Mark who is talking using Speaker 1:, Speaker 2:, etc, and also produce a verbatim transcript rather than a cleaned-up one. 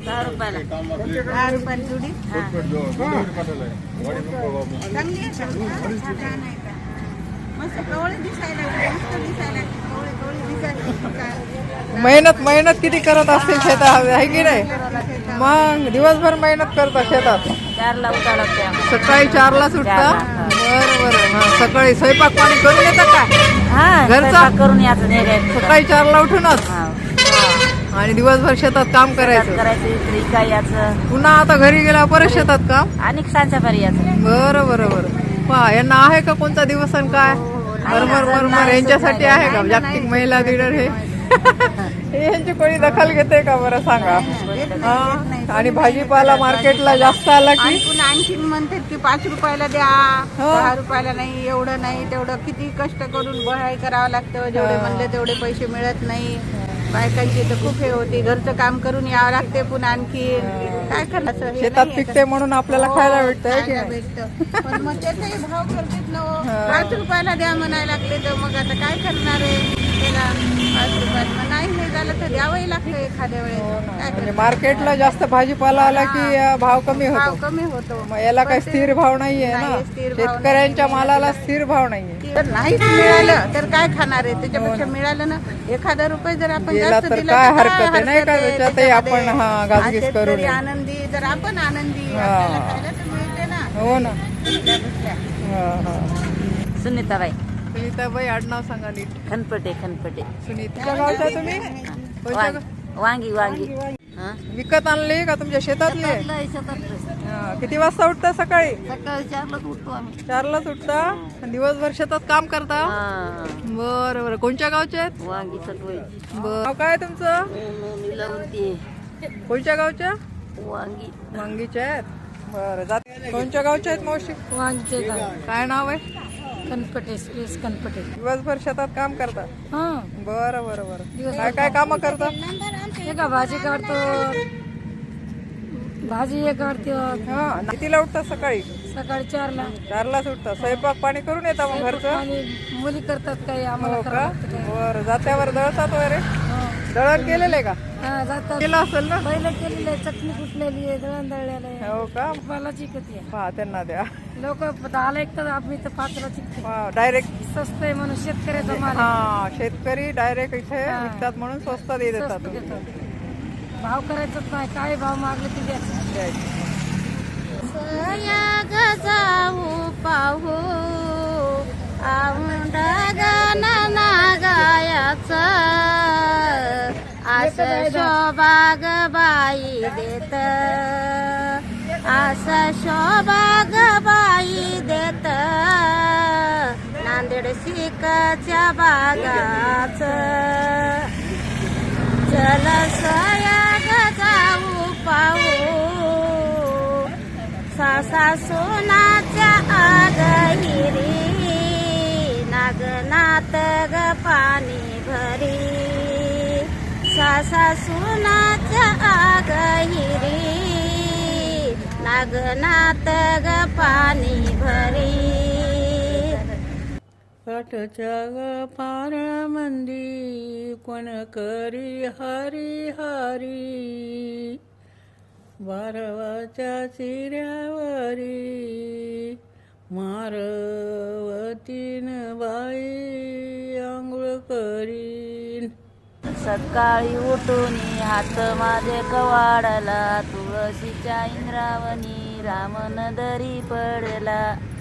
Speaker 1: दहा रुपयाला दहा रुपयाला जुडी चांगली आहे छान आहे का मस्त कवळे दिसायला मस्त दिसायला कवळे कवळे दिसायला
Speaker 2: मेहनत मेहनत किती करत असतील शेतात आहे की नाही मग दिवसभर मेहनत करता शेतात
Speaker 1: चारला उठावं लागते आम्हाला.
Speaker 2: सकाळी चारला सुटता बरं बरं हा सकाळी स्वयंपाक पाणी करून येतात का
Speaker 1: हा
Speaker 2: घरचा?
Speaker 1: स्वयंपाक करून यायचं नाही
Speaker 2: सकाळी चारला उठूनच आणि दिवसभर शेतात काम करायचं
Speaker 1: करायचं इकडे काय याचं
Speaker 2: पुन्हा आता घरी गेला परत शेतात काम
Speaker 1: आणि सांच्या पारी याचं
Speaker 2: बरं बरं बरं पहा यांना आहे का कोणता दिवस आणि काय बरोबर बरोबर यांच्यासाठी आहे का जागतिक महिला दिनर हे हे यांची कोणी दखल घेते का बरं सांगा हा आणि भाजीपाला मार्केटला जास्त आला की
Speaker 1: पुन्हा आणखीन म्हणतात की पाच रुपयाला द्या दहा रुपयाला नाही एवढं नाही तेवढं किती कष्ट करून बहाई करावं लागतं जेवढे म्हणले तेवढे पैसे मिळत नाही बायकांची तर खूप हे होते घरचं काम करून यावं लागते पुन्हा आणखी काय करणार
Speaker 2: शेतात पिकते म्हणून आपल्याला खायला भेटतंय की नाही?
Speaker 1: भेटतं पण मग त्याचाही भाव करतात ना हो. पाच रुपयाला द्या म्हणायला लागले तर मग आता काय करणार आहे त्याला पाच रुपयाला मग नाही हे झालं तर द्यावंही लागतं एखाद्या वेळेस काय
Speaker 2: म्हणजे मार्केटला जास्त भाजीपाला आला की अं, भाव कमी
Speaker 1: भाव
Speaker 2: होतो
Speaker 1: कमी होतो
Speaker 2: मग याला काही स्थिर भाव नाहीये ना
Speaker 1: नाही, स्थिर भाव
Speaker 2: शेतकऱ्यांच्या मालाला स्थिर भाव नाहीये
Speaker 1: जर नाहीच मिळालं तर काय खाणार आहे त्याच्यापेक्षा मिळालं ना एखादा रुपये जर आपण
Speaker 2: गेला
Speaker 1: जास्त
Speaker 2: तर
Speaker 1: दिला
Speaker 2: काय
Speaker 1: तर
Speaker 2: हरकत आहे नाही का
Speaker 1: हरकत आहे
Speaker 2: त्याच्यातही आपण
Speaker 1: त्याच्यामध्ये?
Speaker 2: हा गाजगीज
Speaker 1: आज
Speaker 2: करू
Speaker 1: शेतकरी
Speaker 2: नये
Speaker 1: आनंदी तर आपण आनंदी आपल्याला खायला तर मिळते ना
Speaker 2: हो ना
Speaker 1: त्यापेक्षा.
Speaker 2: हा हा
Speaker 1: सुनीताबाई
Speaker 2: सुनीताबाई आडनाव सांगा नीट
Speaker 1: खनपटे खनपटे
Speaker 2: सुनीता गावच्या तुम्ही कोणत्या गाव?
Speaker 1: वांगी वांगी हा?
Speaker 2: विकत आणली का तुमच्या शेतातली आहे?
Speaker 1: शेतातलं आहे, शेतातलं.
Speaker 2: हा, किती वाजता उठता सकाळी
Speaker 1: सकाळी चारलाच उठतो आम्ही
Speaker 2: चारलाच उठता आणि दिवसभर शेतात काम करता
Speaker 1: हा.
Speaker 2: बरं बरं कोणत्या गावचे आहेत
Speaker 1: वांगी सटवायची
Speaker 2: बरं नाव काय तुमचं
Speaker 1: मिलावती
Speaker 2: कोणत्या गावच्या
Speaker 1: वांगी
Speaker 2: वांगीच्या आहेत बरं जात कोणत्या गावच्या आहेत मावशी
Speaker 1: वांगीचे
Speaker 2: काय नाव आहे
Speaker 1: कनपटे सुरेश कनपटे
Speaker 2: दिवसभर शेतात काम करता
Speaker 1: हा
Speaker 2: बरं बरं बरं काय काय काम करता
Speaker 1: हे का भाजी काढतो भाजी हे काढतो
Speaker 2: हा कितीला उठता सकाळी
Speaker 1: सकाळी चारला
Speaker 2: चारला सुटता स्वयंपाक पाणी करून येता मग घरचं
Speaker 1: आणि मुली करतात काही आम्हाला
Speaker 2: हो
Speaker 1: करावं
Speaker 2: का
Speaker 1: लागतं काही.
Speaker 2: बरं जात्यावर दळतात वगैरे
Speaker 1: हा.
Speaker 2: दळण केलेलं आहे का
Speaker 1: हा, जातात
Speaker 2: केलं असेल ना
Speaker 1: पहिलं केलेलं आहे चटणी कुटलेली आहे दळण दळलेलं आहे
Speaker 2: हो का
Speaker 1: मला चिकती आहे
Speaker 2: पहा त्यांना द्या
Speaker 1: लोक दहाला एक तर आम्ही तर पाचला चिकते
Speaker 2: डायरेक्ट
Speaker 1: स्वस्त आहे म्हणून शेतकऱ्याचा माल आहे.
Speaker 2: हा शेतकरी डायरेक्ट इथे
Speaker 1: हा.
Speaker 2: विकतात म्हणून स्वस्त दे देतात
Speaker 1: स्वस्त देतात. भाव करायचंच नाही काय भाव मागले ते द्यायचं
Speaker 2: द्यायचे.
Speaker 1: जाऊ पाहू औंढ गाना गायाच असं शोभाग बाई देत असं शोभाग बाई देत नांदेड शिकाच्या बागाच चल सयाग जाऊ पाहू सासा सोनाच्या आगहिरी नागनाथ ग पाणी भरी सासा सोनाच्या आगहिरी नागनाथ ग पाणी भरी काठच्या ग पार मंदी कोण करी हरी हरी बारवाच्या चिऱ्यावरी मारवतीन बाई आंघोळ करीन सकाळी उठून हात माझे कवाडला तुळशीच्या इंद्रावणी रामन दरी पडला